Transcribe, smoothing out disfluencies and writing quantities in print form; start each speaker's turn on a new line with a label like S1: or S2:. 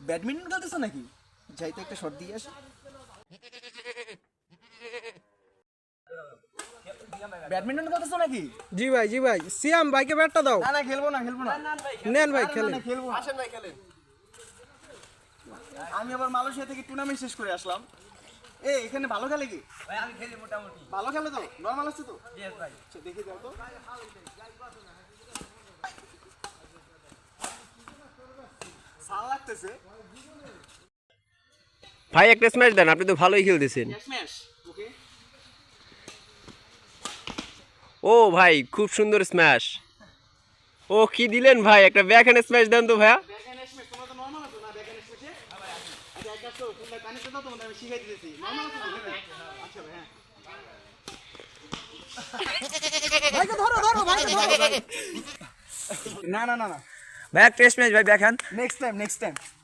S1: Badminton খেলতেছো নাকি? যাই তো একটা শট দিয়ে আসি। ব্যাডমিন্টন খেলতেছো নাকি?
S2: জি ভাই সিয়াম ভাইকে ব্যাটটা দাও।
S1: না না খেলবো না।
S2: নেন ভাই
S1: না,
S2: খেলেন।
S1: না, খেলবো না।
S3: আসেন ভাই খেলেন।
S1: আমি আবার মালয়েশিয়া থেকে টুর্নামেন্ট শেষ করে আসলাম। এখানে ভালো খেলে কি?
S3: ভাই আমি খেলি মোটামুটি।
S1: ভালো খেলে তো? নরমাল আছে তো?
S3: ইয়েস ভাই।
S1: আচ্ছা, দেখি দাও তো। সাল লাগতেছে।
S4: ভাই একটা স্ম্যাশ দেন, আপনি তো ভালোই খেলতেছেন।
S1: স্ম্যাশ। ওকে।
S4: ও ভাই খুব সুন্দর স্ম্যাশ। ও কি দিলেন ভাই, একটা ব্যাকহ্যান্ড স্ম্যাশ দেন তো ভাইয়া।
S1: ব্যাকহ্যান্ড স্ম্যাশ তোমরা তো নরমাল আছো না ব্যাকহ্যান্ড স্ম্যাশে? আচ্ছা এক কাজ করো, তোমরা কানেক্ট দাও, তোমাদের আমি শিখাই দিতেছি। নরমাল আছো তো? আচ্ছা ভাই, হ্যাঁ। ভাইকে ধরো ভাইকে ধরো। না।
S3: ভাই টেস্ট ম্যাচ ভাই দেখেন।
S1: Next time